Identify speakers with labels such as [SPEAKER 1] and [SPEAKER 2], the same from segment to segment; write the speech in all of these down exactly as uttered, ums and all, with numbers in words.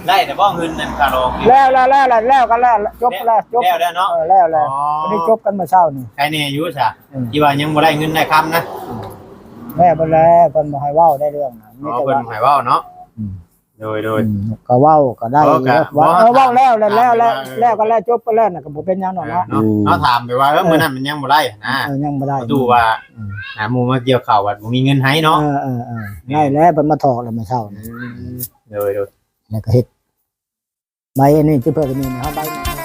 [SPEAKER 1] ได้แต่บ่เงินนั่นคาโรง
[SPEAKER 2] แล้วแล้วแล้วแล้วกันแล้วจบแล้วจบ
[SPEAKER 1] แล้วแล้วเนาะ
[SPEAKER 2] เออแล้วแล้ววันนี้จบกันมาเช้านี่
[SPEAKER 1] ใครเนี่ยอยู่ซะที่ว่ายังบ่ได้เงินได้คำนะ
[SPEAKER 2] แม่บ่แล้วเพิ่นบ่ให้เว้าได้เรื่องนะ
[SPEAKER 1] มีแต่ว่าเพิ่นให้เว้าเนาะโดยโดย
[SPEAKER 2] ก็เว้าก็ได้ว่าเออเว้าแล้วแล้วแล้วแล้วกันแล้วจบกันแล้วน่ะก็บ่เป็นหยังเนาะเนาะ
[SPEAKER 1] เนาะถามไปว่าเออมื้อนั้นมันยังบ่ได้นะ
[SPEAKER 2] เออยังบ่ได้
[SPEAKER 1] ดูว่าหาหมู่มาเกี่ยวข้าวว่าบ่มีเงินให้เนาะ
[SPEAKER 2] เออๆๆได้แล้วเพิ่นมาถอกแล้วมาเช้านี่
[SPEAKER 1] โดยโดย
[SPEAKER 2] แล้วก็เฮ็ดใบอันนี้ที่เพิ่นก็มีนะครับใบ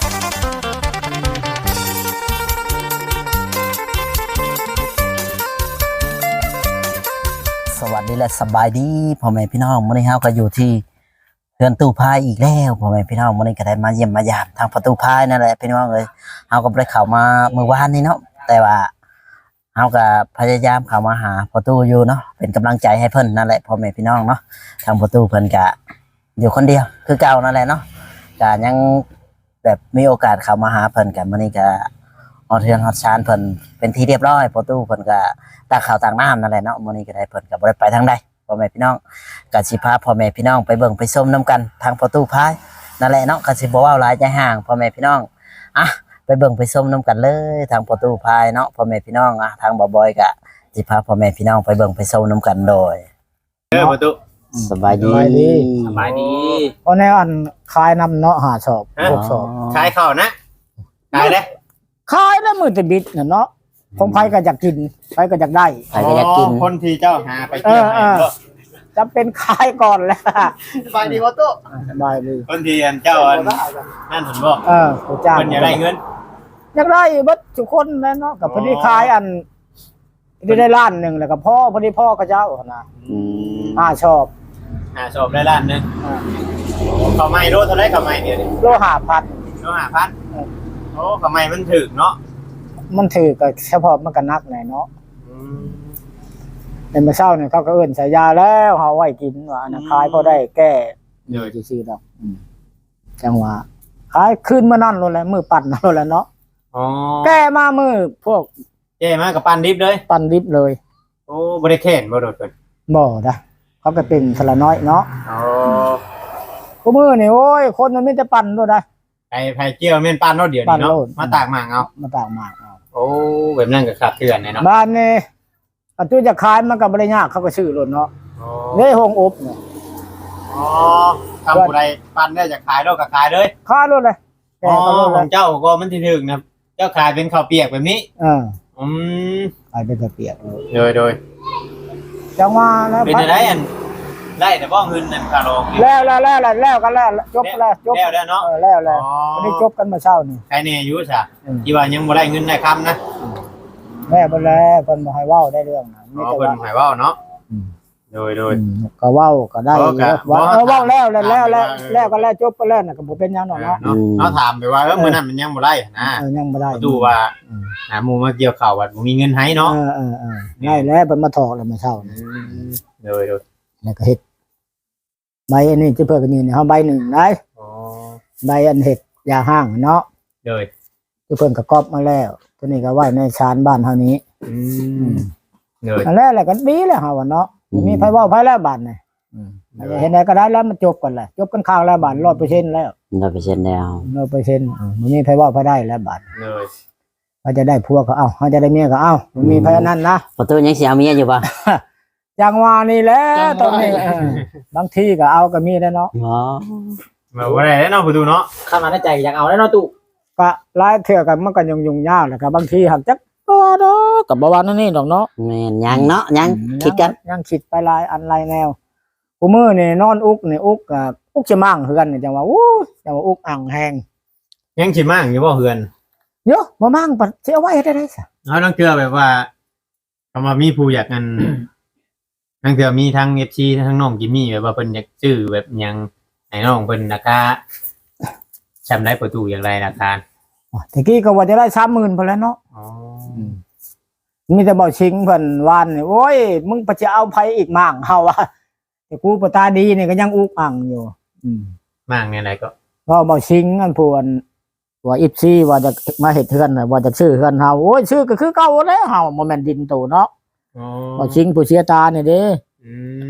[SPEAKER 3] สวัสดีและสบายดีพ่อแม่พี่น้องมื้อนี้เฮาก็อยู่ที่เรือนตู้พายอีกแล้วพ่อแม่พี่น้องมื้อนี้ก็ได้มาเยี่ยมมายามทางประตูพายนั่นแหละพี่น้องเอ้ยเฮาก็บ่ได้เข้ามาเมื่อวานนี้เนาะแต่ว่าเฮาก็พยายามเข้ามาหาประตูอยู่เนาะเป็นกำลังใจให้เพิ่นนั่นแหละพ่อแม่พี่น้องเนาะทางประตูเพิ่นก็อยู่คนเดียวคือเก่านั่นแหละเนาะก็ยังแบบมีโอกาสเข้ามาหาเพิ่นกันมื้อนี้ก็ฮอดเรือนฮอดชานเพิ่นเป็นที่เรียบร้อยประตูเพิ่นก็ตากข้าวตากน้ำนั่นแหละเนาะมื้อนี้ก็ได้เพิ่นก็บ่ได้ไปทางใดพ่อแม่พี่น้องก็สิพาพ่อแม่พี่น้องไปเบิ่งไปชมนํกันทางประตูพายนั่นแหละเนาะก็สิบ่เว้าหลายใจห่างพ่อแม่พี่น้องอ่ะไปเบิ่งไปชมนํกันเลยทางประตูพายเนาะพ่อแม่พี่น้องอ่ะทางบ่บอยก็สิพาพ่อแม่พี่น้องไปเบิ่งไปชมนํกันโดย
[SPEAKER 1] เด้อประตู
[SPEAKER 3] สบายดี
[SPEAKER 1] สบายดี
[SPEAKER 2] เพราะในอันขายนำเนาะหาชอบพวกชอบ
[SPEAKER 1] ขายข้าวนะขายเด้
[SPEAKER 2] ขายแล้วมื้อตะบิดน่ะเนาะผมไผก็อยากกินไผก็อยากได้
[SPEAKER 3] ใครก็อยากกิน
[SPEAKER 1] คนที่เจ้าหาไปเที่ยวให้ก็
[SPEAKER 2] จำเป็นขายก่อนแหละ
[SPEAKER 1] สบายดีบ่ตุ๊
[SPEAKER 2] สบายดี
[SPEAKER 1] คนที่อันเจ้าอันนั่นเห็นบ่
[SPEAKER 2] เออผู้จ้าง
[SPEAKER 1] เพิ่นอยากได้เงิน
[SPEAKER 2] อยากได้เบิดทุกคนแหละเนาะก็พอดีขายอันที่ได้ล้านนึงแล้วก็พ่อพอดีพ่อก็เจ้านะอืมอ่าชอบ
[SPEAKER 1] อ่าชอบได้ล้านนึงอ่าข้าวใหม่โลเท่าไหร่ข้าวใหม่เดี๋ยวนี้
[SPEAKER 2] โลห้าพัน
[SPEAKER 1] โลห้าพันเออโอ้ข้าวใหม่มันถูกเนาะ
[SPEAKER 2] มันถือก็เฉพาะมันก็นักหน่อยเนาะในเมื่อเช้าเนี่ยเขาก็เอิ้นใส่ยาแล้วเฮาไว้กินว่านะขายพอได้แก้เดี๋ยวซื่อๆดอกจังหวะขายคืนมื้อนั้นโลดแหละมื้อปั่นโลดแหละเนาะอ๋อแก้มามื้อพวก
[SPEAKER 1] แก้มากับปั่นดิบเลย
[SPEAKER 2] ปั่นดิบเลย
[SPEAKER 1] โอ้บ่ได้แค้นบ่โดดเพิ่น
[SPEAKER 2] บ่ดะเขาก็เป็นสละน้อยเนาะอ๋อกูมื้อนี่โอ้ยคนมันมีแต่ปั่นโลดได้
[SPEAKER 1] ไอ้ไผเกี่ยวแม่นปั่นเนาะเดี๋ยวนี้เนาะมาตากหมากเอา
[SPEAKER 2] มาตากหมากเอา
[SPEAKER 1] โอ้แบบนั้นก็ขาดเถื่อนเนาะ
[SPEAKER 2] บ้านนี่อันตู้จะขายมันก็บ่ได้ยากเขาก็ซื้อรถเนาะนี่โฮงอบเนี่ย
[SPEAKER 1] อ๋อทำผู้ใดปั่นได้จะขายแล้วก็ขายเลย
[SPEAKER 2] ขายรถเลย
[SPEAKER 1] อ๋อของเจ้าก็มันสิถึงนะเจ้าขายเป็นข้าวเปียกแบบนี้
[SPEAKER 2] เอออื
[SPEAKER 1] ม
[SPEAKER 2] ขายเป็นข้าวเปียก
[SPEAKER 1] โดยโดย
[SPEAKER 2] จังว่าแล้ว
[SPEAKER 1] เป็นอะไรอันได้แต่บ่เงินนั่นคาโรง
[SPEAKER 2] แล้วแล้วแล้วแล้วกันแล้วจบแล้วจบ
[SPEAKER 1] แล้วแล้วเนาะ
[SPEAKER 2] เออแล้วแล้ววันนี้จบกันมาเช้านี่
[SPEAKER 1] ใครเนี่ยอยู่ซะที่ว่ายังบ่ได้เงินได้คำนะ
[SPEAKER 2] แม่บ่แล้วเพิ่นบ่ให้เว้าได้เรื่องนะ
[SPEAKER 1] มีแต่ว่าเพิ่นให้เว้าเนาะโดยโดย
[SPEAKER 2] ก็เว้าก็ได้ว่าเออเว้าแล้วแล้วแล้วแล้วกันแล้วจบกันแล้วน่ะก็บ่เป็นหยังเนาะเนาะ
[SPEAKER 1] เนาะถามไปว่าเออมื้อนั้นมันยังบ่ได้นะ
[SPEAKER 2] เออยังบ่ได้
[SPEAKER 1] ดูว่าหาหมู่มาเกี่ยวข้าวว่าบ่มีเงินให้เนาะ
[SPEAKER 2] เออๆๆได้แล้วเพิ่นมาถอกแล้วมาเช้านี่
[SPEAKER 1] โดยโดย
[SPEAKER 2] แล้วก็เฮ็ดใบอันนี้ที่เพิ่นก็มีนี่เฮาใบหนึ่งได้อ๋อใบอันเฮ็ดยาห้างเนาะ
[SPEAKER 1] โดย
[SPEAKER 2] ที่เพิ่นก็ก๊อบมาแล้วตัวนี้ก็ไว้ในชานบ้านเฮานี้อืมโดยอันแรกแหละก็ดีแล้วเฮาว่าเนาะมีไผเว้าไผแล้วบาดนี่อืมเห็นได้ก็ได้แล้วมันจบกันแหละจบกันข้าวแล้วบาด ร้อยเปอร์เซ็นต์ แล้ว
[SPEAKER 3] ร้อยเปอร์เซ็นต์ แล้ว
[SPEAKER 2] ร้อยเปอร์เซ็นต์ อ่าบ่มีไผเว้าไผได้แล้วบาด
[SPEAKER 1] เลย
[SPEAKER 2] ว่าจะได้ผัวก็เอ้าเฮาจะได้เมียก็เอ้าบ่มีไผอันนั้นนะ
[SPEAKER 3] ประตูยังสิเอาเมียอยู่บ่
[SPEAKER 2] จังว่านี่แหละตอนนี้บางทีก็เอาก็มีได้เนาะ
[SPEAKER 3] อ๋อ
[SPEAKER 1] มาบ่ได้แล้วเนาะประตูเนาะ
[SPEAKER 4] เข้ามาในใจอยากเอาแล้วเนาะตู่
[SPEAKER 2] ก็หลายเทื่อก็มันก็ยุ่งๆยากแหละก็บางทีหักจักบ่ดอกก็บ่ว่านั่นนี่ดอกเนาะ
[SPEAKER 3] แม่นยังเนาะยังคิดกัน
[SPEAKER 2] ยังคิดไปหลายอันหลายแนวกูมื้อนี่นอนอุกนี่อุกก็อุกสิมั่งคือกันนี่จังว่าอู้จังว่าอุกอ่างแฮง
[SPEAKER 1] ยังสิมั่งอยู่บ่เฮือน
[SPEAKER 2] เยอะบ่มั่งปะสิเอาไว้เฮ็ดได้ซะ
[SPEAKER 1] เฮาต้องเทื่อแบบว่าคำว่ามีผู้อยากกันทั้งเทื่อมีทั้ง เอฟ ซี ทั้งน้องจิมมี่แบบว่าเพิ่นอยากซื้อแบบหยังให้น้องเพิ่นราคาจำได้ประตูอย่างไรราคา
[SPEAKER 2] อ๋อตะกี้ก็ว่าจะได้ สามหมื่น พุ่นแล้วเนาะอ๋อมีแต่บ่ชิงเพิ่นวานนี่โอ้ยมึงไปจะเอาไผอีกมั่งเฮาว่าแต่กูบ่ตาดีนี่ก็ยังอุกอั่งอยู่อืม
[SPEAKER 1] มั่งเนี่ยไหนก็
[SPEAKER 2] ก็บ่ชิงอันพวนว่า เอฟ ซี ว่าจะมาเฮ็ดเฮือนน่ะว่าจะซื้อเฮือนเฮาโอ้ยซื้อก็คือเก่าแล้วเฮาบ่แม่นดินโตเนาะอ๋อบ่ชิงผู้เสียตานี่เด้
[SPEAKER 1] อืม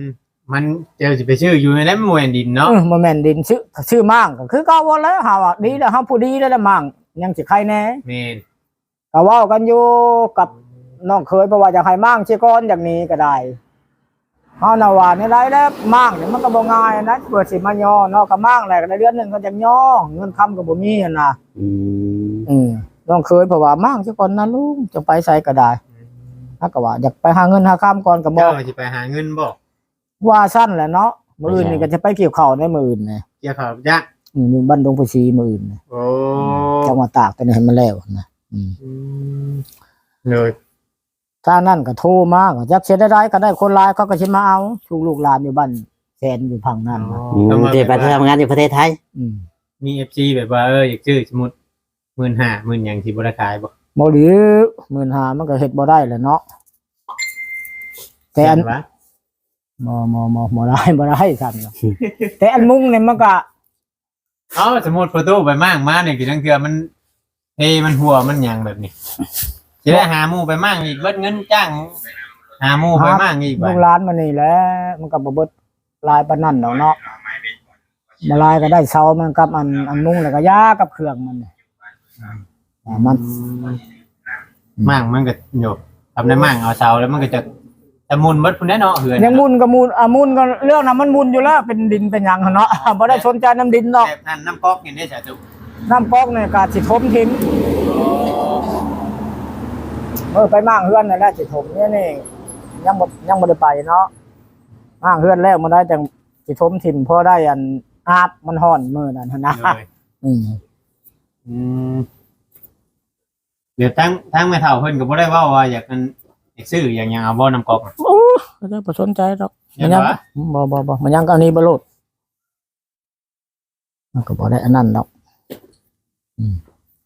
[SPEAKER 1] มันเจอสิไปชื่ออยู่ในนั้นมวยดินเนาะ
[SPEAKER 2] เออบ่แม่นดินชื่อชื่อมั่งก็คือเก่าบ่แล้วเฮาอ่ะดีแล้วเฮาผู้ดีแล้วละมั่งยังสิใครแน่
[SPEAKER 1] แม่น
[SPEAKER 2] ก็เว้ากันอยู่กับน้องเคยเพราะว่าอยากให้มั่งสิก่อนอย่างนี้ก็ได้เฮาน่ะว่านี่ได้แล้วมั่งนี่มันก็บ่ง่ายนะเปิดสิมาย่อเนาะก็มั่งแหละก็ได้เดือนหนึงก็จังย่อเงินคำก็บ่มีหั่นน่ะ
[SPEAKER 3] อืม
[SPEAKER 2] อืมน้องเคยเพราะว่ามั่งสิก่อนนะลุงจะไปไสก็ได้ถ้าก็ว่าอยากไปหาเงินหาคำก่อนก็บ่
[SPEAKER 1] เจ้าสิไปหาเงินบ่
[SPEAKER 2] ว่าสั้นแหละเนาะมื้ออื่นนี่ก็จะไปเกี่ยวข้าวในมื้ออื่นนี่
[SPEAKER 1] เกี่ยวข้าวยักษ์
[SPEAKER 2] อืมอยู่บ้านดงประชีมื้ออื่นนี่
[SPEAKER 1] โอ้
[SPEAKER 2] จังหวัดตากตัวนี้ให้มันแล้วนะอืม
[SPEAKER 1] อืมเลย
[SPEAKER 2] ถ้านั่นก็โทรมาก็จักเสียได้ๆก็ได้คนหลายเขาก็สิมาเอาลูกลูกหลานอยู่บ้านแฟนอยู่พังนั่นนะ
[SPEAKER 3] อืมที่ไปทำงานอยู่ประเทศไทย
[SPEAKER 2] อืม
[SPEAKER 1] มี เอฟ ซี แบบว่าเอออยากซื้อสมมุติหมื่นห้าหมื่นหยังสิบ่ได้ขายบ่
[SPEAKER 2] บ่หรือหมื่นห้ามันก็เฮ็ดบ่ได้แหละเนาะแต่อัน
[SPEAKER 1] เห็วะ
[SPEAKER 2] บ่บ่บ่บ่ได้บ่ได้สั่นเนาะแต่อันมุ้งเนี่ยมันก็
[SPEAKER 1] เอ้าสมมุติประตูไปมั่งมาเนี่ยคือจังเทื่อมันเฮมันหัวมันหยังแบบนี้สิได้หาหมู่ไปมั่งอีกเบิดเงินจ้างหาหมู่ไปมั่งอีก
[SPEAKER 2] ลู
[SPEAKER 1] บ่
[SPEAKER 2] กหลานมันนี่แหละมันก็บ่เบิดลายปานนั้นดอกเนาะบ่ลายก็ได้เซามันกับอันอันมุ้งแล้วก็ยากับเครื่องมันนี่อ่ามัน
[SPEAKER 1] มั่งมันก็โยกทำได้มั่งเอาเสาแล้วมันก็จะจะมุนเบิดพุ่นแน่เนาะเหือน
[SPEAKER 2] ยังมุนก็มุนอ่ะมุนก็เรื่องนั้นมันมุนอยู่แล้วเป็นดินเป็นหยังหั่นเนาะ บ่ได้สนใจน้ำดินดอก
[SPEAKER 1] แบบนั้นน้ำก๊อกนี่ได้จ้ะตุ
[SPEAKER 2] น้ำก๊อกเนี่ยก็สิถมทิ้งเออไปมั่งเฮือนนั่นแหละสิถมเนี่ยนี่ยังบ่ยังบ่ได้ไปเนาะมั่งเฮือนแล้วมันได้จังสิถมถิ่มพอได้อันอาบมันฮ้อนมื้อนั้นหั่นนะ
[SPEAKER 1] เลย
[SPEAKER 2] อืม
[SPEAKER 1] อืมเดี๋ยวทั้งทั้งแม่เฒ่าเพิ่นก็บ่ได้เว้าว่าอยากกันอยากซื้ออย่างหยังเอาบ่น้ำก๊อก
[SPEAKER 2] โอ้ก็ได้บ่สนใจดอก
[SPEAKER 1] เห็
[SPEAKER 2] มัน
[SPEAKER 1] น
[SPEAKER 2] ยัง
[SPEAKER 1] ปะ
[SPEAKER 2] บ่บ่บ่มันยังก็อันนี้บ่โลดมันก็บ่ได้อันนั้นดอกอืม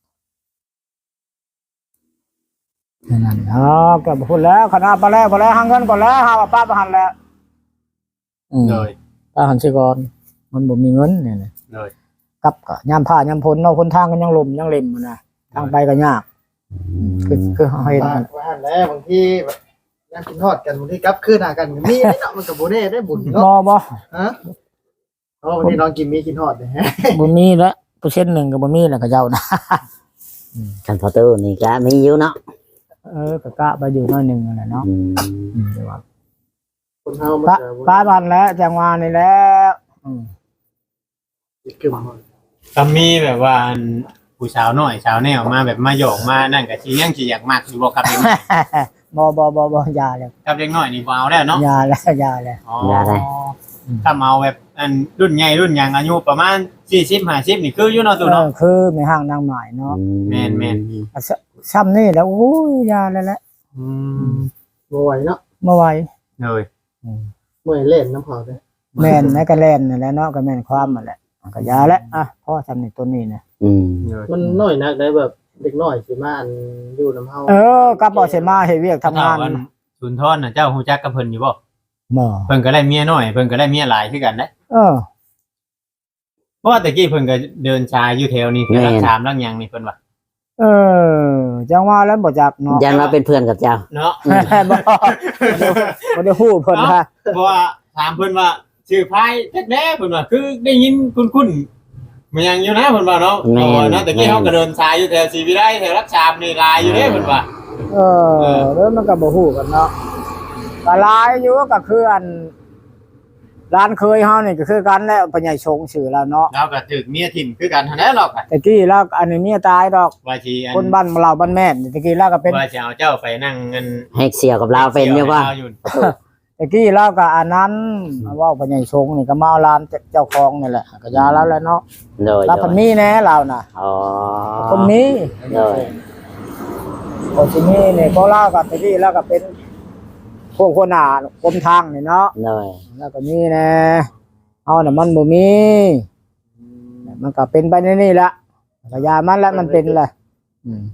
[SPEAKER 2] อันนั้นอ๋อก็บ่พูดแล้วคณะไปแล้วพอแล้วหาเงินก่อนแล้วหาว่าป้าบ่หันแล้วอืม
[SPEAKER 1] เลย
[SPEAKER 2] ป้าหันสิก่อนมันบ่มีเงินเนี่ยนะ
[SPEAKER 1] เลย
[SPEAKER 2] กับก็ยามผ้ายามฝนเนาะคนทางก็ยังลมยังเล่มอยู่นะทางไปก็ยากคือคือเฮาเห็น
[SPEAKER 5] บ้านว่าหั่นแหล้วบางทีแบบยังกินทอดกันบางทีกลับคืนหากันมีเนาะมันก็บ่แน่ได้บุญ
[SPEAKER 2] บ่
[SPEAKER 5] เนาะ
[SPEAKER 2] บ่
[SPEAKER 5] ฮะเพราะวันนี้น้องกินมีกินทอดเลยฮะ
[SPEAKER 2] บ่มีแล้วเปอร์เซ็นต์หนึ่งก็บ่มีแล้วก็เจ้านะ
[SPEAKER 3] คันพอตู้นี่ก็มีอยู่เนาะ
[SPEAKER 2] เออก็กะไปอยู่หน้อยหนึงนั่นแหละเนาะ
[SPEAKER 3] อืม
[SPEAKER 2] อืมเดี๋ยวว่า
[SPEAKER 5] คนเฮามัน
[SPEAKER 2] ป้า
[SPEAKER 5] ก็บ่
[SPEAKER 2] ป้าบันแล้วจังหวะนี่แหล้วอืม
[SPEAKER 5] กึ่ม
[SPEAKER 1] ก็มีแบบว่าอันผู้สาวน้อยสาวแนวมาแบบมาหยอกมานั่นก็สิยังสิอยากมักอยู่บ่ครับเด็กน้อย
[SPEAKER 2] บ่บ่บ่บ่อยาแล้ว
[SPEAKER 1] ครับเด็กน้อยนี่บ่เอาแล้วเนาะ
[SPEAKER 2] ยาแล้วยาแล้ว
[SPEAKER 1] อ๋อ
[SPEAKER 3] อย่าได้
[SPEAKER 1] ถ้าเอาแบบอันรุ่นใหญ่รุ่นหยังอายุประมาณสี่สิบ ห้าสิบนี่คืออยู่เนาะตุ
[SPEAKER 2] เอ
[SPEAKER 1] เนาะ
[SPEAKER 2] อคือไม่ห่างนางหมายเนาะ
[SPEAKER 1] แม่นแม่น
[SPEAKER 2] อ่ะซซ้ำนี่แล้วโอ้ยยาแล้วแหละ
[SPEAKER 1] อืม
[SPEAKER 5] บ่ไหวเนาะ
[SPEAKER 2] เมื่อไหว
[SPEAKER 1] เลย
[SPEAKER 5] เมื่อยเล่นน้ำเผาเด้อ
[SPEAKER 2] แม่นแม่ก็แล่นนั่นแหละเนาะก็แม่นความนั่นแหละก็ยาแล้วอ่ะพ่อซ้ำนี่ตัวนี้นะ
[SPEAKER 3] อืม
[SPEAKER 1] เลย
[SPEAKER 5] มันน้อยนักได้แบบเด็กน้อยสิมาอันอยู่น้ำเฮา
[SPEAKER 2] เออกับบ่สิมาเฮ็ดเวียกทำงาน
[SPEAKER 1] เฒ่อัสุนทรน่ะเจ้าฮู้จักกับเพิ่นอยู่บ่
[SPEAKER 2] บ่
[SPEAKER 1] เพิ่นก็ได้เมียน้อยเพิ่นก็ได้เมียหลายคือกันนะ
[SPEAKER 2] เออ
[SPEAKER 1] เพราะว่าตะกี้เพิ่นก็เดินชายอยู่แถวนี้คือรักชามรักหยังนี่เพิ่นว่า
[SPEAKER 2] เออจังว่าแล้วบ่จักเนาะ
[SPEAKER 3] ยันว่าเป็นเพื่อนกับเจ้า
[SPEAKER 1] เนาะ
[SPEAKER 2] บ่บ่ได้ฮู้เพิ่นว่า
[SPEAKER 1] เพราะว่าถามเพิ่นว่าชื่อไผจักแน่เพิ่นว่าคือได้ยินคุ้นๆมันยังอยู่นะเพิ่นว่าเนาะ
[SPEAKER 3] แม่น
[SPEAKER 1] โอ้เนาะตะกี้เฮาก็เดินชายอยู่แถวศรีวิไลแถวรักชามนี่หลายอยู่เด้เพิ่นว่า
[SPEAKER 2] เออแล้วมันก็บ่ฮู้กันเนาะก็หลายอยู่ก็คืออันร้านเคยเฮานี่ก็คือกันแล้วปัญญาชงชื่อแล้วเนาะ
[SPEAKER 1] เราก็ถึกเมียถิ่มคือกันเท่านั้นหรอกอะ
[SPEAKER 2] ตะกี้แล้วอันนี้เมียตายดอก
[SPEAKER 1] ว่าสิอัน
[SPEAKER 2] คนบ้านเราบ้านแม่นตะกี้แล้วก็เป็น
[SPEAKER 1] ว่าสิเอาเจ้าไปนั่งเงิน
[SPEAKER 3] ให้เสี่ยวกับเราเป็นอยู่ว่า
[SPEAKER 1] อยู่
[SPEAKER 2] ตะกี้แล้วก็อันนั้นเว้าปัญญาชงนี่ก็มาเอาร้านเจ้าของนี่แหละก็ยาแล้วแหละเนาะ
[SPEAKER 3] โดย
[SPEAKER 2] แล้ว
[SPEAKER 3] โด
[SPEAKER 2] เพิ่น
[SPEAKER 3] ย
[SPEAKER 2] มีแน่เราน่ะ
[SPEAKER 3] อ๋อ
[SPEAKER 2] คนมี
[SPEAKER 3] โดย
[SPEAKER 2] คนที่มีนี่ก็เล่ากับตะกี้แล้วก็เป็นพวกคนหน้ากรมทางนี่เนาะ
[SPEAKER 3] โดย
[SPEAKER 2] แล้วก็มีแน่เอาน่ะมันบ่มีมันก็เป็นไปในนี่ละก็ยามันแล้วมันเป็นแหละอืม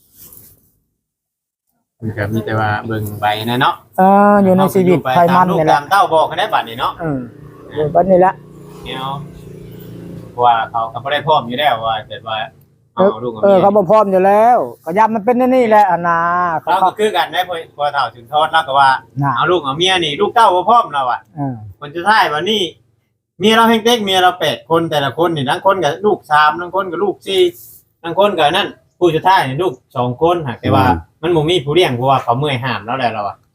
[SPEAKER 1] มันก็มีแต่ว่าเบิ่งใบนะเนาะ
[SPEAKER 2] เอออยู่ในชีวิตไทยมัน
[SPEAKER 1] ลูก
[SPEAKER 2] นี่แห
[SPEAKER 1] ตา
[SPEAKER 2] ละ
[SPEAKER 1] มเต้าบอกกันได้บัดนี้เนาะ
[SPEAKER 2] เอออยู่บัดนี้ละ
[SPEAKER 1] เนี่ยเพราะว่าเขาก็บ่ได้พร้อมอยู่แล้วว่าแต่ว่าเอาลูกเอา
[SPEAKER 2] เออ
[SPEAKER 1] เมีย
[SPEAKER 2] เขาบ่พร้อมอยู่แล้วก็ยามมันเป็นนี่แหละอันน่ะเขา
[SPEAKER 1] เรา
[SPEAKER 2] เขา
[SPEAKER 1] ก็คือกันได้พอพอเฒ่าถึงทอดแล้วก็ว่า
[SPEAKER 2] น่ะ
[SPEAKER 1] เอาลูกเอาเมียนี่ลูกเต้าบ่พร้อมเราอ่ะ
[SPEAKER 2] เออ
[SPEAKER 1] คนจะท้ายวันนี้เมียเราเฮงเต็กเมียเราแปดคนแต่ละคนนี่ทั้งคนกับลูกสามทั้งคนกับลูกสี่ทั้งคนกับนั่นผู้จะท้ายนี่ลูกสองคนหากแต่ว่า มันบ่มีผู้เลี้ยงเพราะว่าเขาเมื่อยห้ามแล้วแหละเราอ่ะ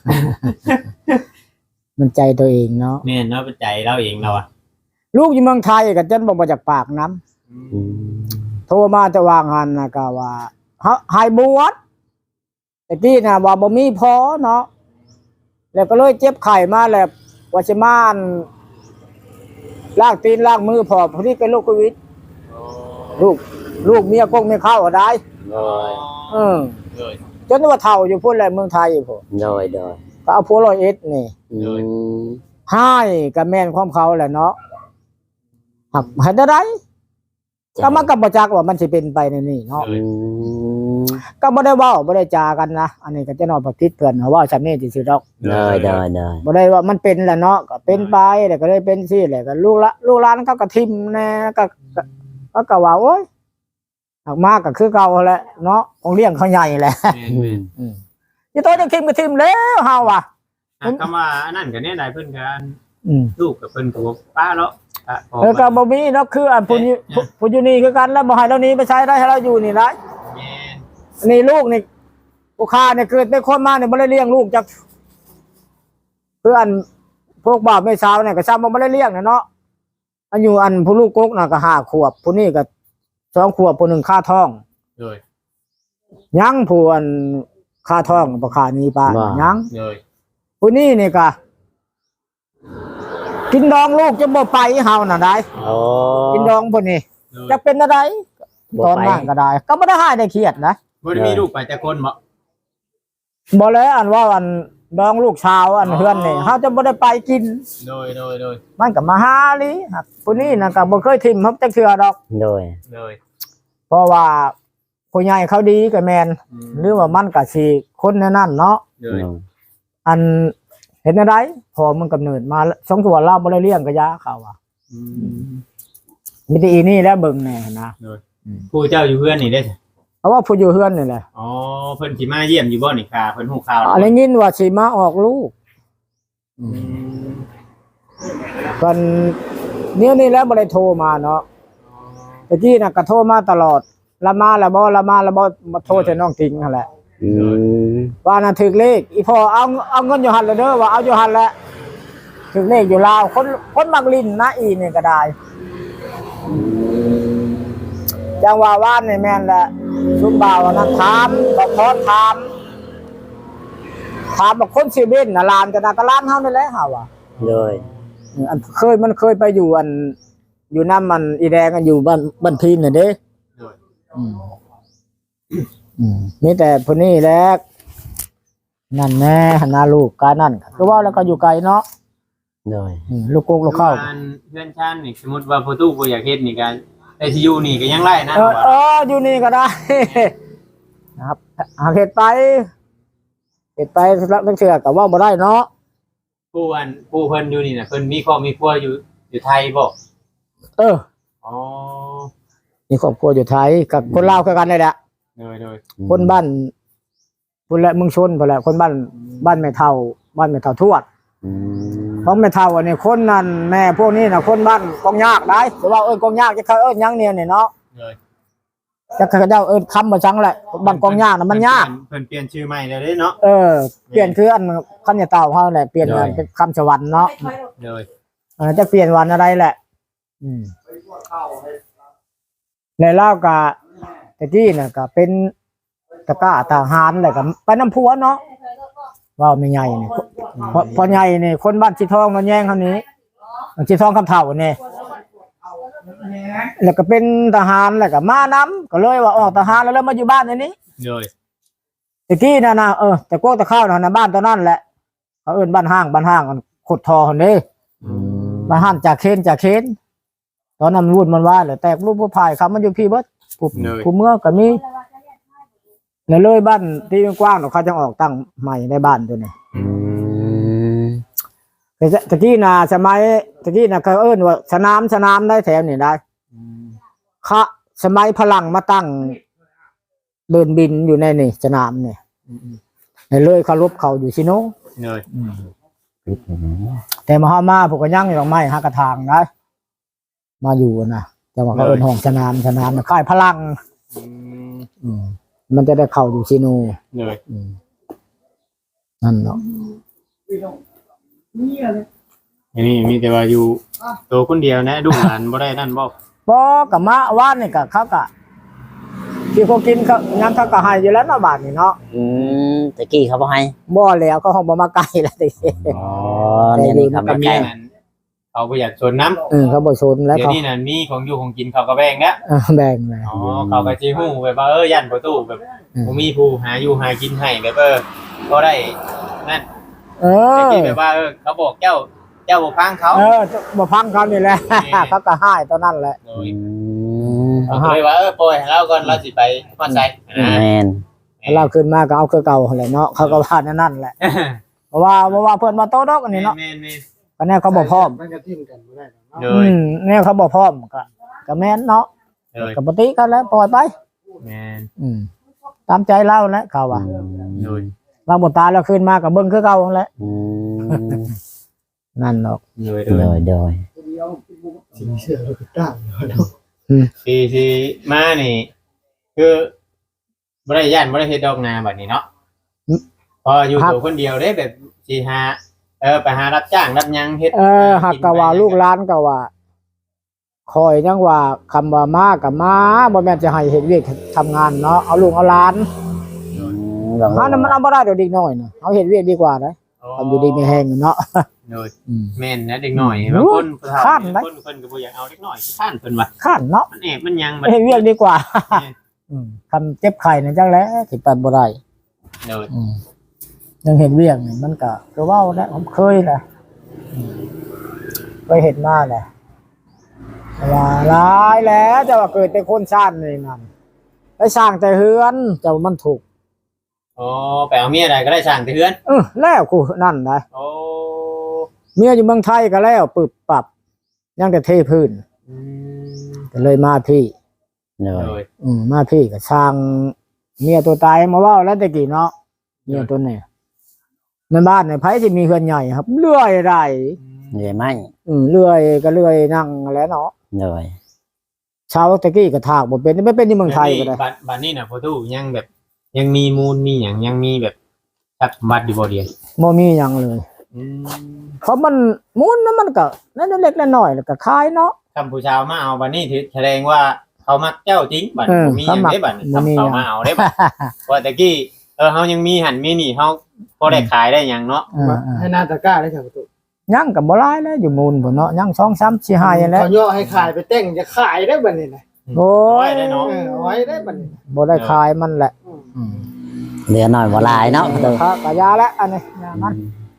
[SPEAKER 2] มันใจตัวเองเนาะ
[SPEAKER 1] แม่นเนาะเป็นใจเราเองเราอ่ะ
[SPEAKER 2] ลูกอยู่เมืองไทยก็จนบ่มาจากปากน้ำโทรมาจะวางหันนะก็ว่าฮะหายบวชแต่ที่น่ะว่าบ่มีพอเนาะแล้วก็เลยเจ็บไข้มาแล้วว่าสิมาอั่นล้างตีนล้างมือพอพอดีเป็นโรคโควิดลูกลูกเมียกงเมียเข้าก็ได้
[SPEAKER 3] โดย
[SPEAKER 2] เออ
[SPEAKER 1] เลย
[SPEAKER 2] จนว่าเฒ่าอยู่พุ่นแหละเมืองไทยอยู่พุ่น
[SPEAKER 3] โดยโดย
[SPEAKER 2] ก็เอาผัวร้อยเอ็ดนี่
[SPEAKER 3] อืม
[SPEAKER 2] ให้กับแม่นความเขาแหละเนาะหักให้ได้ได้ก็มันก็บ่จักว่ามันสิเป็นไปในนี่เนาะ
[SPEAKER 3] อืม
[SPEAKER 2] ก็บ่ได้เว้าบ่ได้จากันนะอันนี้ก็จะนอนบ่ติดเพิ่นเว่าซั่นนี่ซื่อๆดอก
[SPEAKER 3] โดยโดยโดย
[SPEAKER 2] บ่ได้ว่ามันเป็นแหละเนาะก็เป็นไปแล้วก็เลยเป็นซี่แหละก็ลูกละลูกหลานเขาก็ทิ่มแน่ก็ก็ก็ก็ว่าโอ๊ยหักมากก็คือเก่าแหละเนาะต้องเลี้ยงเขาใหญ่แหละ
[SPEAKER 1] แม่น
[SPEAKER 3] อื
[SPEAKER 1] แม่
[SPEAKER 3] ม
[SPEAKER 1] น
[SPEAKER 2] อืมสิโตจะทิ่มก็ทิ่มแล้วเฮาว่ะ
[SPEAKER 1] อ่ะคำว่าอันนั้นก็เนี่ยได้เพิ่นกัน
[SPEAKER 2] อืม
[SPEAKER 1] ลูกกับเพิ่นกับป้าแล้วอ่ะพอ
[SPEAKER 2] เออก็บ่มีเนาะคืออันผู้นี้ผู้ผู้อยู่นี่คือกันแล้วบ่ให้เราหนี้ไปใช้ได้ให้เราอยู่นี่ได้
[SPEAKER 1] แม่น
[SPEAKER 2] อันนี้ลูกนี่ผู้ค้าเนี่ยเกิดเป็นคนมาเนี่ยบ่ได้เลี้ยงลูกจักคืออันพวกบ่าวแม่สาวเนี่ยก็ซ้ำบ่ได้เลี้ยงน่ะเนาะอันอยู่อันผู้ลูกกกน่ะก็ห้าขวบผู้นี้ก็สองขวบผู้หนึงค่าท้อง
[SPEAKER 1] เลย
[SPEAKER 2] ยังผู้อันค่าท้องบ่ค่านี้ป้ายัง
[SPEAKER 1] เลย
[SPEAKER 2] ผู้นี้นี่ก็กินดองลูกจะบ่ไปเฮาน่ะได้
[SPEAKER 3] โอ้
[SPEAKER 2] กินดองพุ่นนี่
[SPEAKER 1] เลย
[SPEAKER 2] จะเป็นอะไร
[SPEAKER 3] บ่
[SPEAKER 2] ตอน
[SPEAKER 3] ไป
[SPEAKER 2] นั้นก็ได้ ก็บ่ได้หายได้เครียดนะ
[SPEAKER 1] บ่ได้มีลูกไปแต่คนบ่
[SPEAKER 2] บ่แล้วอันว่าอันดองลูกชาวอันเฮือนนี่เฮาจะบ่ได้ไปกิน
[SPEAKER 1] โดยโดยโดย
[SPEAKER 2] มันก็มาหาลิครับผู้นี้น่ะก็บ่เคยทิ่มเฮาจักเทื่อดอก
[SPEAKER 3] โดย
[SPEAKER 1] เลย
[SPEAKER 2] เพราะว่าผู้ใหญ่เขาดีก็แม่น
[SPEAKER 1] อืม
[SPEAKER 2] หรือว่ามันก็สิคนในนั้นเนาะ
[SPEAKER 1] เลย
[SPEAKER 2] อันเห็นอะไรพอมันกำเนิดมาสองตัวเราบ่ได้เลี้ยงก็ยาเขาว่า
[SPEAKER 1] อืม
[SPEAKER 2] มีแต่อีนี่แหล้วเบิ่งแน่นะ
[SPEAKER 1] ผู้เจ้าอยู่เพื่อนนี่ได้อ
[SPEAKER 2] เพราะว่าผู้อยู่เฮือนนี่แหละ
[SPEAKER 1] อ๋อเพิ่นสิมาเยี่ยมอยู่บ่นี่ค่ะเพิ่นฮู้ข่าว
[SPEAKER 2] อะไรยินว่าสิมาออกลูก
[SPEAKER 1] อืม
[SPEAKER 2] กันเนี่ยนี่แหล้วบ่ได้โทรมาเนาะ ตะกี้น่ะก็โทรมาตลอดละมาละบ่ละมาละบ่มาโทรแต่น้องทิ้งนั่นแหละ
[SPEAKER 3] อืม
[SPEAKER 2] ว่าน่ะถึกเลขอีพ่อเอาเอาเงินอยู่หั่นแล้วเด้อว่าเอาอยู่หั่นแหละถึกเลขอยู่ลาวคนคนมักลิ้นนะอีนี่ก็ได้จังว่าว่านนี่แม่นแหละซุมบ่าวนั้นถามบ่พอถามถามว่าคนสิเว้นน่ะลานก็น่ะก็ลานเฮานี่แหละเฮาว่า
[SPEAKER 3] โดย
[SPEAKER 2] อันเคยมันเคยไปอยู่อัน อยู่น้ำมันอีแดงกันอยู่บ้านบ้านพีนน่ะเด้
[SPEAKER 1] โดย
[SPEAKER 2] อืมอืมนี่แต่พวกนี้แหละนั่นแน่หนาลูกกานั่นก็ว่าแล้วก็อยู่ไกลเนาะ
[SPEAKER 3] โดย
[SPEAKER 2] อืมลูกกกลูกเข้า
[SPEAKER 1] บ้นเพื่อนชาตินี่สมมุติว่าผู้ตู้บ่อยากเฮ็ดนี่ก็ได้สิอยู่นี่ก็ยังไล่นะ
[SPEAKER 2] เออเอออยู่นี่ก็ได้ นะครับหากเหตุไปเหตุไปแล้วนักเชื่อกับว่าบ่ได้เนาะ
[SPEAKER 1] ผู้อันผู้เพิ่นอยู่นี่น่ะเพิ่นมีครอบมีครัวอยู่อยู่ไทยบ่
[SPEAKER 2] เออ
[SPEAKER 1] อ๋อ
[SPEAKER 2] มีครอบครัวอยู่ไทยกับคนลาวคือกันเลยแหละ
[SPEAKER 1] โดยโดย
[SPEAKER 2] คนบ้านคนละเมืองชนพุ่นแหละคนบ้านบ้านแม่เฒ่าบ้านแม่เฒ่าทวด
[SPEAKER 3] อืม
[SPEAKER 2] ของแม่เฒ่าอันนี้คนนั้นแม่พวกนี้น่ะคนบ้านกองยากได้หรือว่าเอิ้นกองยากจะเขาเอิ้นหยังเนี่ยนี่เนาะ
[SPEAKER 1] เลย
[SPEAKER 2] จะเขาเจ้าเอิ้นคำบ่จังแหละบ้านกองยากน่ะมันยาก
[SPEAKER 1] เพิ่นเปลี่ยนชื่อใหม่แล้วเด้เนาะ
[SPEAKER 2] เออเปลี่ยนคืออันคำยาเต่าเขาแหละเปลี่ยนอันเป็นคำสวรรค์เนาะ
[SPEAKER 1] เลย
[SPEAKER 2] เออจะเปลี่ยนวันอะไรแหละ อืมในเล่าวกะตะกี้น่ะก็เป็นตะกร้าทหารแหละก็ไปน้ำพัวเนาะว่าไม่ใหญ่นี่พอพอใหญ่นี่คนบ้านชีทองนอนแย่งคำนี้ชีทองคำเถ่าเนี่ยแล้วก็เป็นทหารแหละก็มาน้ำก็เลยว่าออกทหารแล้วแล้วมาอยู่บ้านในนี้
[SPEAKER 1] เลย
[SPEAKER 2] ตะกี้น่ะนะเออแต่โก้ตะข้าวน่ะนะบ้านตอนนั้นแหละเขาเอิ้นบ้านห้างบ้านห้างกันขุดทอคนนี้
[SPEAKER 3] อืม
[SPEAKER 2] บ้านห้างจากเคนจากเคนตอนนั้นมันวุ่นมันว่าเลยแตกรูปผู้พายครับมันอยู่พี่เบิดผู้
[SPEAKER 1] เลย
[SPEAKER 2] ผู้เมื่อก็มีแล้วเลยบ้านที่กว้างๆเขาจะออกตั้งใหม่ในบ้านตัวนี้
[SPEAKER 3] อืม
[SPEAKER 2] แต่ตะกี้น่ะสมัยตะกี้น่ะเขาเอิ้นว่าสนามสนามได้แถวนี่ได้
[SPEAKER 1] อืม
[SPEAKER 2] คะสมัยพลังมาตั้งเดินบินอยู่ในนี่สนามนี่เลยเขารบเขาอยู่ชิโน
[SPEAKER 1] เลย
[SPEAKER 2] แต่มาฮามาพวกก็ยั่งอยู่ตรงไม้ฮักกระทางนะมาอยู่นะแต่ว่าเขาเอิ้นห้องสนามสนามค่ายพลัง
[SPEAKER 1] อืม
[SPEAKER 2] อืมมันจะได้เข้าอยู่ชิโน
[SPEAKER 1] เลย
[SPEAKER 2] อืมนั่นเนาะ
[SPEAKER 1] อันนี้มีแต่ว่าอยู่ตัวคนเดียวนะลูกหลานบ่ได้นั่นบ่
[SPEAKER 2] บ่กับมาว่านนี่ก็เขาก็ที่เขากินเขายังเขาก็ให้อยู่แล้วเนาะบาดนี่เนาะ
[SPEAKER 3] อืมตะกี้เขาบ่ให้
[SPEAKER 2] บ่แล้วเขาห้องบ่มาไกลแล้วดิ
[SPEAKER 3] อ๋อเนี่ยนี่ครับ
[SPEAKER 1] ก็
[SPEAKER 3] มา
[SPEAKER 1] มี
[SPEAKER 3] ใกล้
[SPEAKER 1] นั่นเขาบ่อยากชนน้ำ
[SPEAKER 2] เออเขาบ่ชนแล้ว
[SPEAKER 1] เดี๋ยว
[SPEAKER 2] เขา
[SPEAKER 1] นี้นั่นมีของอยู่ของกินเขาก็แบ่งแล้ว
[SPEAKER 2] เออแบ่งเลย
[SPEAKER 1] อ๋อเขาก็สิฮู้แบบว่าเออย่านประตูแบบบ่มีผู้หาอยู่หากินให้แบบเออบ่ได้นั่น
[SPEAKER 2] เอ
[SPEAKER 1] แต่
[SPEAKER 2] อ
[SPEAKER 1] ที่แบบว่าเออเขาบอกเจ้าเจ้าบ่ฟังเขา
[SPEAKER 2] เออบ่พังเขานี่แหละ เขาก็ให้ตอนนั้นแหละ
[SPEAKER 1] โด
[SPEAKER 3] อื
[SPEAKER 1] ย
[SPEAKER 3] ม
[SPEAKER 1] เขาก็เลยว่าเออปล่อยให้เราก่อนเราสิไปมาใส่อ่า
[SPEAKER 3] แม่น
[SPEAKER 2] เราขึ้นมาก็เอาคือเก่าแหละเนาะเขาก็ว่านั่นนั่นแหละเพราะว่าเพราะว่าเพิ่นมาโตดอกอันนี้เนาะ
[SPEAKER 1] แม่นๆ
[SPEAKER 2] ก็แน่เขาบ่พร้อม
[SPEAKER 5] มันก็ทิ่มกันบ่ได้เนาะ
[SPEAKER 1] ๆโด
[SPEAKER 2] อื
[SPEAKER 1] ย
[SPEAKER 2] มแน่เขาบ่พร้อมก็ก็แม่นเนาะ
[SPEAKER 1] โดย
[SPEAKER 2] ก็ปกติกันแล้วปล่อยไป
[SPEAKER 1] แม่น
[SPEAKER 2] อืมตามใจเราแหละเขาว่า
[SPEAKER 1] โดย
[SPEAKER 2] เราบ่ตายแล้วขึ้นมาก็เบิ่งคือเก่าแหละ
[SPEAKER 3] อืม
[SPEAKER 2] นั่นเนาะ
[SPEAKER 1] โดยโด
[SPEAKER 3] โด
[SPEAKER 1] ย
[SPEAKER 3] ยโดย
[SPEAKER 5] สิเชื่อเราก็ตั้งเนาะ
[SPEAKER 1] ที่ที่มานี่ คือบ่ได้ย่านบ่ได้เฮ็ดดอกนาบัดนี้เนาะพออยู่ตัวคนเดียวได้แบบสิหาเออไปหารับจ้างรับหยังเฮ็ด
[SPEAKER 2] เออหักก็ว่าลูกหลานก็ว่าคอยจังว่าคำว่ามาก็มาบ่แม่นจะให้เฮ็ดเวียกทำงานเนาะเอาลูกเอาหลาน
[SPEAKER 3] อืมลอง
[SPEAKER 2] หานั้นมันเอาบ่ได้ดอกเด็กน้อยน่ะเอาเฮ็ดเวียกดีกว่าเด้อทำอยู่ดีมีแฮงเนาะ
[SPEAKER 1] โดย
[SPEAKER 2] อืม
[SPEAKER 1] แม่นนะเด็กน้อยบางคนผู้เฒ่า
[SPEAKER 2] ข้านไหม
[SPEAKER 1] คนเพิ่นก็บ่อยากเอาเด็กน้อยข้านเพิ่นว่า
[SPEAKER 2] ข้านเนาะ
[SPEAKER 1] มันแอบมันหยังบัด
[SPEAKER 2] เฮ็ดเวียกดีกว่า
[SPEAKER 1] แม่น
[SPEAKER 2] อืมคำเจ็บไข้นั่นจังแหละสิไปบ่ได้
[SPEAKER 1] โดย
[SPEAKER 2] อืมยังเฮ็ดเวียกนี่มันก็คือเว้าแหละผมเคยแหละอืมเคยเฮ็ดมาแหละแต่ว่าหลายแล้วแต่ว่าเกิดแต่คนชาตินี่นั่นไปสร้างแต่เฮือนเจ้ามันถูก
[SPEAKER 1] อ๋อไปเอาเมียได้ก็ได้สร้างแต่เฮือน
[SPEAKER 2] เออแล้วกูนั่นนะ
[SPEAKER 1] โอ้
[SPEAKER 2] เมียอยู่เมืองไทยก็แล้วปึบปรับยังแต่เทพื้น
[SPEAKER 1] อืม
[SPEAKER 2] ก็เลยมาพี่
[SPEAKER 3] โด
[SPEAKER 1] โด
[SPEAKER 3] ย
[SPEAKER 1] ย
[SPEAKER 2] อืมมาพี่ก็สร้างเมียตัวตายมาเว่าแล้วแต่กี้เนาะเมียตัวเนี่ยในบ้านเนี่ยไผที่มีเฮือนใหญ่ครับเลื่อยได้
[SPEAKER 3] เหนื่อยไหม
[SPEAKER 2] อืมเลื่อยก็เลื่อยนั่งแล้วเนาะ
[SPEAKER 3] โดย
[SPEAKER 2] ชาวตะกี้ก็ถากบ่เป็นไม่เป็นที่เมืองไทยก็ได้
[SPEAKER 1] บัดบัดนี้น่ะพ่อตู้ยังแบบ ยังมีมูลมีหยังยังมีแบบทรัพย์สมบัติอยู่บ่เดียว
[SPEAKER 2] บ่มีหยังเลย
[SPEAKER 1] อืม
[SPEAKER 2] เพราะมันมูลนั้นมันก็นั่นเล็กๆน้อยๆแล้วก็ขายเนาะ
[SPEAKER 1] คำผู้ชาวมาเอาบัดนี้ถือแสดงว่าเขามักเจ้าจริงบัด
[SPEAKER 2] เออ
[SPEAKER 1] บ่มีหยัง
[SPEAKER 2] เขามัก
[SPEAKER 1] ได้บัด
[SPEAKER 2] บ่มี
[SPEAKER 1] ทำเขา
[SPEAKER 2] หยัง
[SPEAKER 1] มาเอาได้บัดว่าแต่กี้เออเฮายังมีหันมีนี่เฮาพอได้ขายได้หยังเนาะ
[SPEAKER 2] อ่า
[SPEAKER 5] ให้หนาตะกร้าได้ครับประตู
[SPEAKER 2] ๆยังก็บ่หลายแล้วอยู่มูลพุ่นเนาะยังสอง สาม สี่ ห้าอย่างแล้ว
[SPEAKER 5] เขาย่อให้ขายไปเต้งจะขายได้บัดนี้นะ
[SPEAKER 2] โอ้
[SPEAKER 1] เอาไว้
[SPEAKER 2] ย
[SPEAKER 1] ได้เนาะ
[SPEAKER 5] เออเอาไว้ได้บัดนี้
[SPEAKER 2] บ่ได้ขายมันแหละ
[SPEAKER 5] อืม
[SPEAKER 2] อืม
[SPEAKER 3] เหลือหน่อยบ่หลายเนาะประตู
[SPEAKER 2] ครับกะยาแล้วอันนี้ยามัน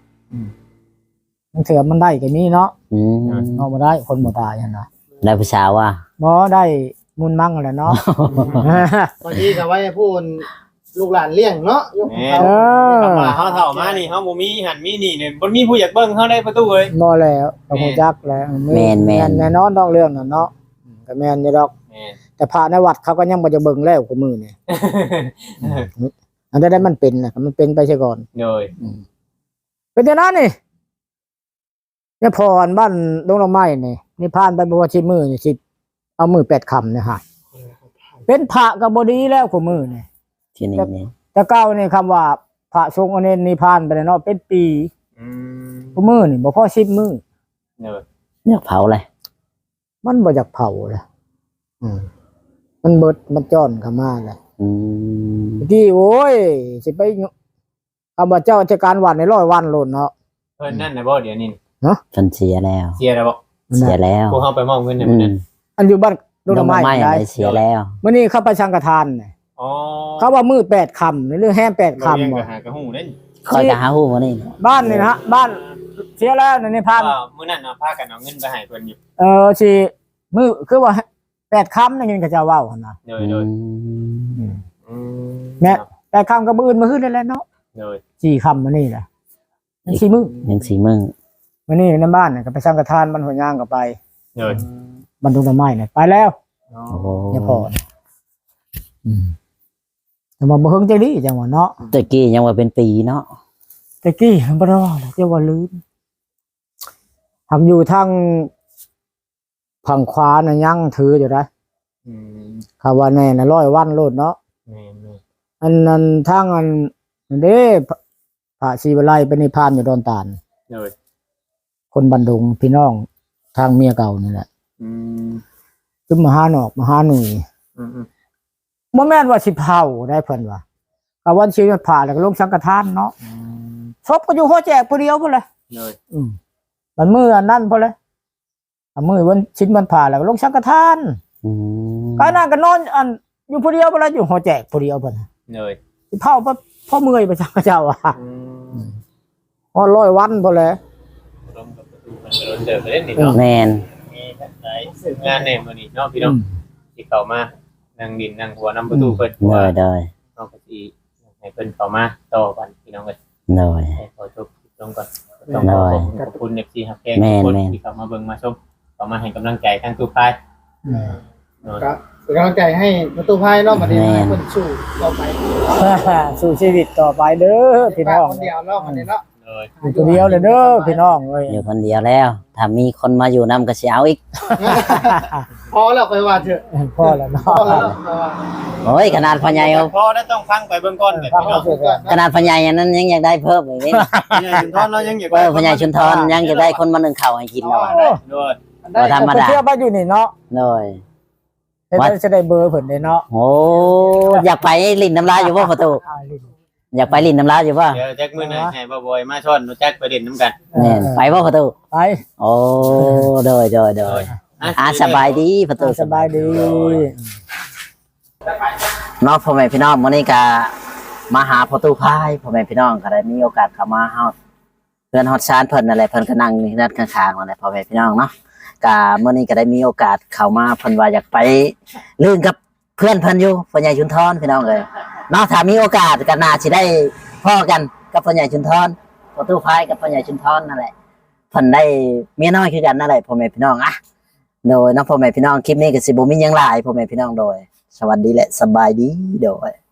[SPEAKER 2] มันเถื่อมันได้ก็มีเนาะ
[SPEAKER 3] อืม
[SPEAKER 2] เอาบ่ได้คนบ่ตายหั่นน่ะ
[SPEAKER 3] ได้ผู้สาวว่า
[SPEAKER 2] บ่ได้มุนมั่งแหละเนาะ
[SPEAKER 5] บางทีก็ไว้ให้พูนลูกหลานเลี้ยงเนาะยก
[SPEAKER 1] แหม่
[SPEAKER 5] เขา
[SPEAKER 2] เออ
[SPEAKER 1] คำว่าเฮาเฒ่ามานี่เฮาบ่มีหันมีนี่เนี่ยบ่มีผู้อยากเบิ่งเฮาได้ประตูเอ้ย
[SPEAKER 2] บ่แล้วก็ฮู้จักแล้ว
[SPEAKER 3] แม่นแม่น
[SPEAKER 2] แน่นอนต้องเรื่องนั้นเนาะก็แม่นอยู่ดอก
[SPEAKER 1] แหม่
[SPEAKER 2] แต่พระในวัดเขาก็ยังบ่จะเบิ่งแล้วกูมือนี่อันใดๆมันเป็นน่ะมันเป็นไปซะก่อน
[SPEAKER 1] โดย
[SPEAKER 2] เป็นจังนั้นนี่เนี่ยพรบ้านดงละไม้นี่นี่ผ่านไปบ่ว่าสิมือนี่สิเอามือแปดคำเนี่ยฮะเป็นพระก็บ่ดีแล้วกูมือนี่
[SPEAKER 3] ที่นี่นี่
[SPEAKER 2] แต่เก้านี่คำว่าพระสงฆ์อันนี้นิพพานไปแล้วเนาะเป็นปี
[SPEAKER 1] อืม
[SPEAKER 2] กูมือนี่บ่พอสิบมื้อ
[SPEAKER 1] โดย
[SPEAKER 3] อยากเผาเลย
[SPEAKER 2] มันบ่อยากเผาเลยอืมมันเบิดมันจ้อนเข้ามาเลย
[SPEAKER 3] อืม
[SPEAKER 2] เมื่อกี้โอ้ยสิไปคำว่าเจ้าราชการวันในร้อยวันโลดเนาะ
[SPEAKER 1] เพิ่นนั่นน่ะบ่เดี๋ยวนี้
[SPEAKER 3] จนเสียแล้ว
[SPEAKER 1] เสียแล้วบ่
[SPEAKER 3] เสียแล้ว
[SPEAKER 1] พวกเฮาไปมอบเงินให้
[SPEAKER 3] อื
[SPEAKER 1] มัน
[SPEAKER 3] ม
[SPEAKER 1] นั่น
[SPEAKER 2] อันอยู่บ้านดงละไม้
[SPEAKER 3] ไม่
[SPEAKER 2] ได้
[SPEAKER 3] เสียแล้ว
[SPEAKER 2] มื้อนี้เข้าไปสังฆทานนี่
[SPEAKER 1] อ๋อ
[SPEAKER 2] เขาว่ามือแปดคำในเรื่องแห้มแปด
[SPEAKER 1] คำ
[SPEAKER 2] คำ
[SPEAKER 1] บ่
[SPEAKER 2] บ่
[SPEAKER 1] หากระหู้เด้
[SPEAKER 3] คอยจะหาหูมานี่
[SPEAKER 2] บ้านนี่นะฮะบ้านเสียแล้วในนิพพาน
[SPEAKER 1] ว่ามื้อนั้นน่ะพากันเอาเงินไปให้เพิ่นอยู่
[SPEAKER 2] เออสิมือคือว่าแปดคำนั่นเองก็จะเว้าหั่นนะ
[SPEAKER 1] โดยโดย
[SPEAKER 3] อืม
[SPEAKER 1] อืม
[SPEAKER 2] แม่แปดคำก็มื้ออื่นมื้ออื่นได้แล้วเนาะ
[SPEAKER 1] โดย
[SPEAKER 2] สี่คำมื้อนี้แหละยังสี่มื้อ
[SPEAKER 3] ยังสีมึง
[SPEAKER 2] มื้อนี้ในบ้านน่ะก็ไปสังฆทานบ้านหัวยางก็ไป
[SPEAKER 1] โดย
[SPEAKER 2] บ้านดงต้นไม้น่ะไปแล้ว
[SPEAKER 1] โอ๋อ
[SPEAKER 3] โอ้โห
[SPEAKER 2] เนี่ยพอนะอืมแต่มาบ่เฮิงใจดีจังหวะเนาะ
[SPEAKER 3] ตะกี้ยังว่าเป็นปีเนาะ
[SPEAKER 2] ตะกี้มันบ่ได้ว่าหรอกจะว่าลืมทำอยู่ทางฝั่งขวาน่ะยังถืออยู่นะ
[SPEAKER 1] อืม
[SPEAKER 2] คำว่าแน่น่ะร้อยวันโลดเนาะ
[SPEAKER 1] แม่น
[SPEAKER 2] อันนั้นทางอันเด้พระพระศรีวลัยเป็นนิพพานอยู่ดอนตาล
[SPEAKER 1] ๆเลย
[SPEAKER 2] คนบันดุงพี่น้องทางเมียเก่านี่แหละ
[SPEAKER 1] อืม
[SPEAKER 2] คือมหาหนอกมหาหนุ่ย
[SPEAKER 1] อืม
[SPEAKER 2] บ่แม่นว่าสิเผาได้เพิ่นว่าก็วันชีวิตผ่าแล้วก็ลงสังฆทานเนาะ
[SPEAKER 1] อืม
[SPEAKER 2] ศพก็อยู่หัวแจกผู้เดียวพุ่นเลย
[SPEAKER 1] เลย
[SPEAKER 2] อืมมันมืออันนั้นพุ่นเลยอันมือวันชิ้นมันผ่าแล้วก็ลงสังฆทาน
[SPEAKER 3] อืม
[SPEAKER 2] ก็นั่นก็นอนอันอยู่ผู้เดียวพุ่นเลยอยู่หัวแจกผู้เดียวพุ่นน่ะ
[SPEAKER 1] เลย
[SPEAKER 2] สิเผาเพราะเพราะเมื่อยไปจังเจ้าว่า
[SPEAKER 1] อืม
[SPEAKER 2] ฮอดร้อยวันพุ่นเลย
[SPEAKER 1] ร่วมกับประตูมันก็โดนเจอไปเล่นนี่เนาะ
[SPEAKER 3] แมน
[SPEAKER 1] มีหลายงานในมื้อนี้เนาะพี่น้องที่เข้ามานั่งดินนั่งหัวนำประตูเพิ่น
[SPEAKER 3] โดยโดย
[SPEAKER 1] น้องก็สิให้เพิ่นเข้ามาต่อกันพี่น้องก็
[SPEAKER 3] โดย
[SPEAKER 1] ให้ขอจบลงก่อนต้องขอขอบคุณเอฟซีฮักแกง
[SPEAKER 3] แม่
[SPEAKER 1] ทุก
[SPEAKER 3] น
[SPEAKER 1] คน
[SPEAKER 3] แม่น
[SPEAKER 1] ที่เข้ามาเบิ่งมาชมเข้ามาให้กำลังใจทั้งทุกฝ่ายเนาะ
[SPEAKER 5] ก็เป็นกำลังใจให้ประตูพายเนาะบัดนี้ให้เพิ่นสู้ต่อไป
[SPEAKER 2] สู่ชีวิตต่อไปเด้อพี่น้อง
[SPEAKER 5] คนเดียวเนาะบัดนี้เนาะ
[SPEAKER 1] เลย
[SPEAKER 2] อยู่ตัวเดียวเลยเด้อพี่น้องเอ้ย
[SPEAKER 3] อยู่คนเดียวแล้ว ถ้ามีคนมาอยู่นำก็สิเอาอีก
[SPEAKER 5] พอแล้วค่อยว่าเถอะ
[SPEAKER 2] พอแล้วเนาะ
[SPEAKER 5] พอแล้วค่อยว่า
[SPEAKER 3] โอ้ยขนาดพ่อใหญ่เอา
[SPEAKER 1] พอแล้วต้องฟังไปเบิ่งก่อนแบบ
[SPEAKER 2] ฟัง
[SPEAKER 1] นี้
[SPEAKER 2] เอา
[SPEAKER 1] เนาะ
[SPEAKER 2] เสร็จแล้ว
[SPEAKER 3] ขนาดพ่อใหญ่อันนั้นยังอยากได้เพิ่มอีกนี่
[SPEAKER 1] ใหญ่ชุนทอนเรายังอยาก
[SPEAKER 3] เออพ่อใหญ่ชุนทรยังจะได้คนมานึ่งข้าวให้กินแล้วอะ
[SPEAKER 1] ด้วย
[SPEAKER 3] บ่ธรรมดา
[SPEAKER 2] เที่ยวบ้านอยู่นี่เนาะ
[SPEAKER 3] โดย
[SPEAKER 2] เดี๋ยวจะได้เบอร์เพิ่นได้เนาะ
[SPEAKER 3] โอ้อยากไปลิ้นน้ำลายอยู่บ่ประตู
[SPEAKER 2] อ่าลิ้น
[SPEAKER 3] อยากไปลิ้นน้ำลายอยู่บ่
[SPEAKER 1] เดี๋ยวแจ็คมื้อหน้าให้บ่บ่อยมาชอนรู้จักประเด็นนํกัน
[SPEAKER 3] แม่นไปบ่ประตู
[SPEAKER 2] ไป
[SPEAKER 3] โอ้โดยโดยโดยอ่าสบายดีประตู
[SPEAKER 2] สบายดี
[SPEAKER 3] เนาะพ่อแม่พี่น้องมื้อนี้ก็มาหาประตูพายพ่อแม่พี่น้องก็ได้มีโอกาสเข้ามาเฮาเพื่อนฮอดซานเพิ่นนั่นแหละเพิ่นก็นั่งอยู่ด้านข้างๆนั่นแหละพ่อแม่พี่น้องเนาะก็มื้อนี้ก็ได้มีโอกาสเข้ามาเพิ่นว่าอยากไปลื่นกับเพื่อนเพิ่นอยู่พ่อใหญ่ชุนทรพี่น้องเอ้ยเนาะถ้ามีโอกาสก็น่าสิได้พ้อกันกับพ่อใหญ่ชุนทรประตูพายกับพ่อใหญ่ชุนทรนั่นแหละเพิ่นได้เมียน้อยคือกันนั่นแหละพ่อแม่พี่น้องอะโดยเนาะพ่อแม่พี่น้องคลิปนี้ก็สิบ่มีหยังหลายพ่อแม่พี่น้องโดยสวัสดีและสบายดีโดย